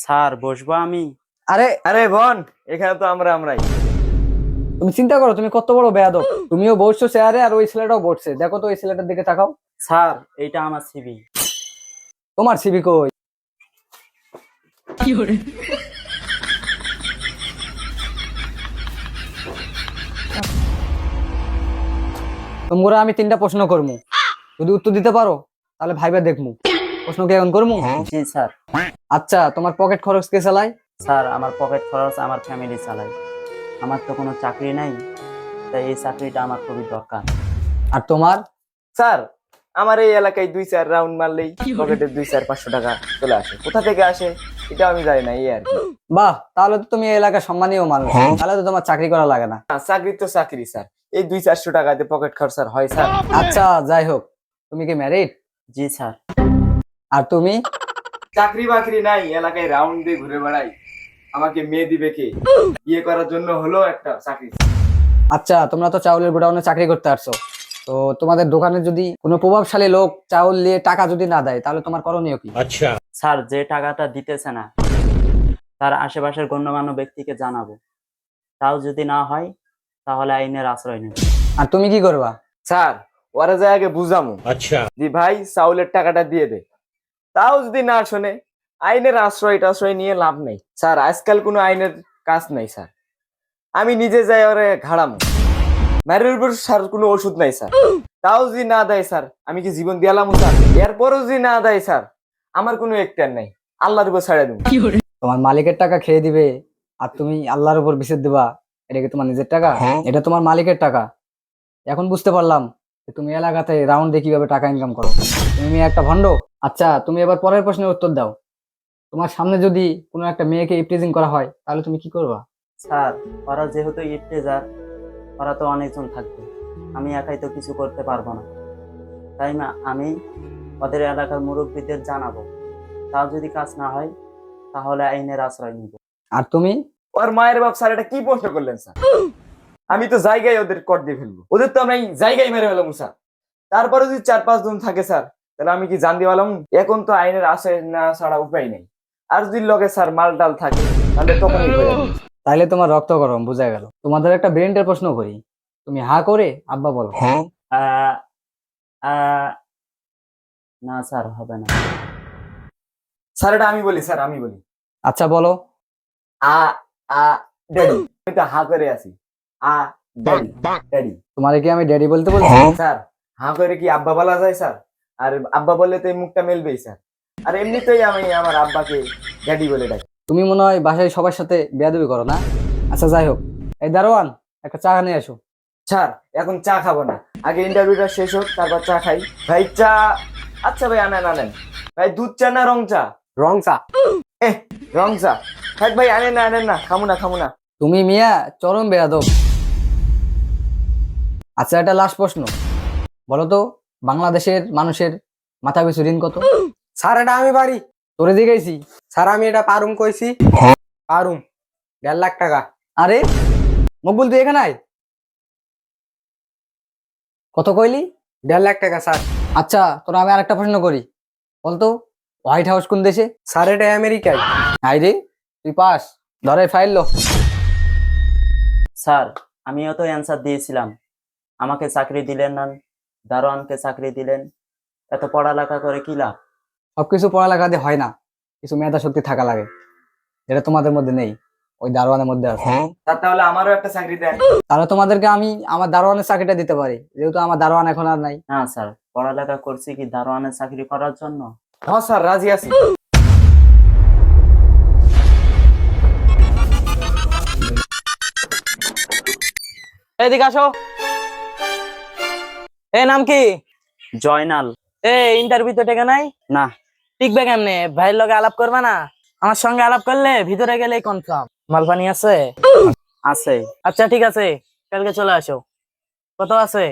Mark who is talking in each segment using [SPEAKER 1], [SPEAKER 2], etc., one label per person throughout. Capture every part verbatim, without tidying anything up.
[SPEAKER 1] Sir বসবো আমি?
[SPEAKER 2] আরে
[SPEAKER 3] আরে বোন, এখানে তো আমরা আমরাই।
[SPEAKER 2] তুমি চিন্তা করো, তুমি কত বড় বেয়াদব। তুমিও বসছো চেয়ারে আর ওই ছেলেটাও বসছে। দেখো তো ওই ছেলেটার দিকে তাকাও।
[SPEAKER 1] স্যার এইটা আমার সিভি।
[SPEAKER 2] তোমার সিবি কই? তোমরা আমি তিনটা প্রশ্ন করবো, যদি উত্তর দিতে পারো তাহলে ভাইবা দেখমু। প্রশ্ন কি এখন করবো?
[SPEAKER 1] জি স্যার।
[SPEAKER 2] আচ্ছা, তোমার পকেট খরচ কে চালায়?
[SPEAKER 1] স্যার আমার পকেট খরচ আমার ফ্যামিলি চালায়। আমার তো কোনো চাকরি নাই, তাই এই চাকরিটা আমার খুবই দরকার।
[SPEAKER 2] আর তোমার?
[SPEAKER 3] স্যার আমার এই এলাকায় দুই চার রাউন্ড মারলেই পকেটে দুই চার পাঁচশো টাকা চলে আসে। কোথা থেকে আসে এটা আমি জানি না, এই আর কি।
[SPEAKER 2] বাহ, তাহলে তো তুমি এই এলাকার সম্মানীয় মানুষ। তাহলে তো তোমার চাকরি করা লাগে না।
[SPEAKER 3] না, চাকরি তো চাকরি স্যার, এই দুই চারশো টাকাতে পকেট খরচ হয় স্যার?
[SPEAKER 2] আচ্ছা যাই হোক, তুমি কি ম্যারিড?
[SPEAKER 1] জি স্যার।
[SPEAKER 2] আর তুমি?
[SPEAKER 3] চাকরি বাকরি নাই, এলাকায় রাউন্ড দিয়ে ঘুরে বেড়াই। আমাকে মেয়ে দিবে কে? বিয়ে করার জন্য হলো একটা চাকরি।
[SPEAKER 2] আচ্ছা, তোমরা তো চাউলের গোডাউনে চাকরি করতে আসছো, তো তোমাদের দোকানে যদি কোনো প্রভাবশালী লোক চাউল নিয়ে টাকা যদি না দেয় তাহলে তোমার করণীয় কি?
[SPEAKER 1] আচ্ছা স্যার, যে টাকাটা দিতেছে না তার আশেপাশের গণ্যমান্য ব্যক্তিকে জানাবো। তাও যদি না হয় তাহলে আইনের আশ্রয় নেব।
[SPEAKER 2] আর তুমি কি করবা?
[SPEAKER 3] স্যার ওরা যায় আগে বুঝামু। আচ্ছা দি ভাই চাউলের টাকাটা দিয়ে দে। তাও যদি না শোনে, আইনের আশ্রয় টাশ্রয় নিয়ে লাভ নেই স্যার। আজকাল কোনো আইনের কাজ নাই স্যার। আমি নিজে যাই ওরে ঘাড়ামু। ম্যারের উপর স্যার কোনো ওষুধ নাই স্যার। তাও যদি না দেয় স্যার, আমি কি জীবন দিয়ালাম স্যার? এরপরও যদি না দেয় স্যার, আমার কোনো একটার নাই, আল্লাহর উপর ছাড়া দেবো।
[SPEAKER 2] তোমার মালিকের টাকা খেয়ে দিবে আর তুমি আল্লাহর উপর বিছেদ দিবা? এটা কি তোমার নিজের টাকা? এটা তোমার মালিকের টাকা। এখন বুঝতে পারলাম যে তুমি এলাকাতে রাউন্ড দিয়ে কিভাবে টাকা ইনকাম করো। তুমি একটা ভণ্ড। আচ্ছা, তুমি এবার পরের প্রশ্নের উত্তর দাও। তোমার সামনে যদি কোনো একটা মেয়েকে ইপটিজিং করা হয় তাহলে তুমি কি করবা?
[SPEAKER 1] স্যার ওরা যেহেতু ইফতেজার, ওরা তো অনেকজন থাকবে, আমি একাই তো কিছু করতে পারবো না। তাই না আমি ওদের এলাকার মুরব্বীদের জানাবো। তাও যদি কাজ না হয় তাহলে আইনের আশ্রয় নিব।
[SPEAKER 2] আর তুমি?
[SPEAKER 3] ওর মায়ের বাপ স্যার, এটা কি প্রশ্ন করলেন স্যার? আমি তো জায়গায় ওদের কর দিয়ে ফেলবো। ওদের তো আমি জায়গায় মেরে ফেলাম স্যার। তারপরে যদি চার পাঁচ জন থাকে স্যার, তাহলে আমি কি জান দিওয়ালাম? এখন তো আইনের আশ্রয় না ছাড়া উপায় নেই। আর যদি লগে স্যার মাল টাল থাকে তাহলে তখনই হয়ে যাবে।
[SPEAKER 2] তাইলে তোমার রক্ত গরম, বোঝা গেল। তোমাদের একটা ব্রেনটের প্রশ্ন করি, তুমি হা করে আব্বা বলো।
[SPEAKER 1] আহ, আহ, না স্যার, হবে না।
[SPEAKER 3] স্যার এটা আমি বলি স্যার, আমি বলি।
[SPEAKER 2] আচ্ছা বলো।
[SPEAKER 3] আ আ ড্যাডি। আমি তো হা করে আছি। আ ড্যাডি ড্যাডি।
[SPEAKER 2] তোমারে কি আমি ড্যাডি বলতে বলছি?
[SPEAKER 3] স্যার হা করে কি আব্বা বলা যায় স্যার? আর আব্বা বললে তো এই মুখটা মেলবেই স্যার। আর এমনিতেই আমি আমার আব্বাকে ড্যাডি বলে ডাকি।
[SPEAKER 2] তুমি মনে হয় বাসায় সবার সাথে বেয়াদবি করো না? আচ্ছা যাই হোক, এই দারোয়ান একটা চা নিয়ে আসো।
[SPEAKER 3] স্যার এখন চা খাবো না, আগে ইন্টারভিউটা শেষ হোক তারপর চা খাই। ভাই চা। আচ্ছা ভাই আনেন আনেন। ভাই দুধ চা না রং চা?
[SPEAKER 2] রং চা।
[SPEAKER 3] এ রং চা থাক ভাই, আনেন না আনেন না, খামু না খামু না।
[SPEAKER 2] তুমি মিয়া চরম বেয়াদব। আচ্ছা, একটা লাস্ট প্রশ্ন, বলো তো বাংলাদেশের মানুষের মাথা পিছু ঋণ কত?
[SPEAKER 4] স্যার এটা আমি পারি।
[SPEAKER 2] তোরে জিগাইছি।
[SPEAKER 4] স্যার আমি এটা পারুম কইছি। পারুম দেড় লাখ টাকা।
[SPEAKER 2] আরে মকবুল, তুই এখানে আয়। কত কইলি?
[SPEAKER 4] দেড় লাখ টাকা স্যার।
[SPEAKER 2] আচ্ছা, তোরা আমি আরেকটা প্রশ্ন করি, বলতো হোয়াইট হাউস কোন দেশে?
[SPEAKER 4] স্যার এটা আমেরিকায়।
[SPEAKER 2] আই রে, তুই পাস। ধরে ফাইল লো।
[SPEAKER 1] স্যার আমিও তো অ্যান্সার দিয়েছিলাম, আমাকে চাকরি দিলেন না, দারোয়ানকে চাকরি দিলেন। এত পড়ালেখা করে কি লাভ?
[SPEAKER 2] সবকিছু পড়ালেখা দিয়ে হয় না, কিছু মেধা শক্তি থাকা লাগে, যেটা তোমাদের মধ্যে নেই, ওই দারোয়ানের মধ্যে আছে।
[SPEAKER 3] স্যার তাহলে আমারও একটা চাকরি দেন।
[SPEAKER 2] তাহলে তোমাদেরকে আমি আমার দারোয়ানের চাকরিটা দিতে পারি, যেহেতু আমার দারোয়ান এখন আর নাই।
[SPEAKER 1] না স্যার, পড়ালেখা করছি কি দারোয়ানের চাকরি করার জন্য?
[SPEAKER 3] হ্যাঁ স্যার রাজি আছি।
[SPEAKER 4] এদিকে আসো। এ নাম কি?
[SPEAKER 1] জয়নাল।
[SPEAKER 4] এ ইন্টারভিউ তো টেকে নাই?
[SPEAKER 1] না।
[SPEAKER 4] টিকবে কেমনে? ভাইয়ের লগে আলাপ করবা না? আমার সঙ্গে আলাপ করলে ভিতরে গেলেই কনফার্ম। মালপানি আছে?
[SPEAKER 1] আছে।
[SPEAKER 4] আচ্ছা ঠিক আছে, কালকে চলে আসো। কত আছে?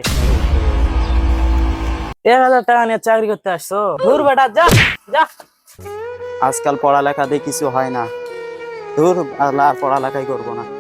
[SPEAKER 4] এক হাজার টাকা নিয়ে চাকরি করতে আসছো? দূর বেটা, যা যা।
[SPEAKER 1] আজকাল পড়ালেখা দিয়ে কিছু হয় না। দূর, আর পড়ালেখাই করবো না।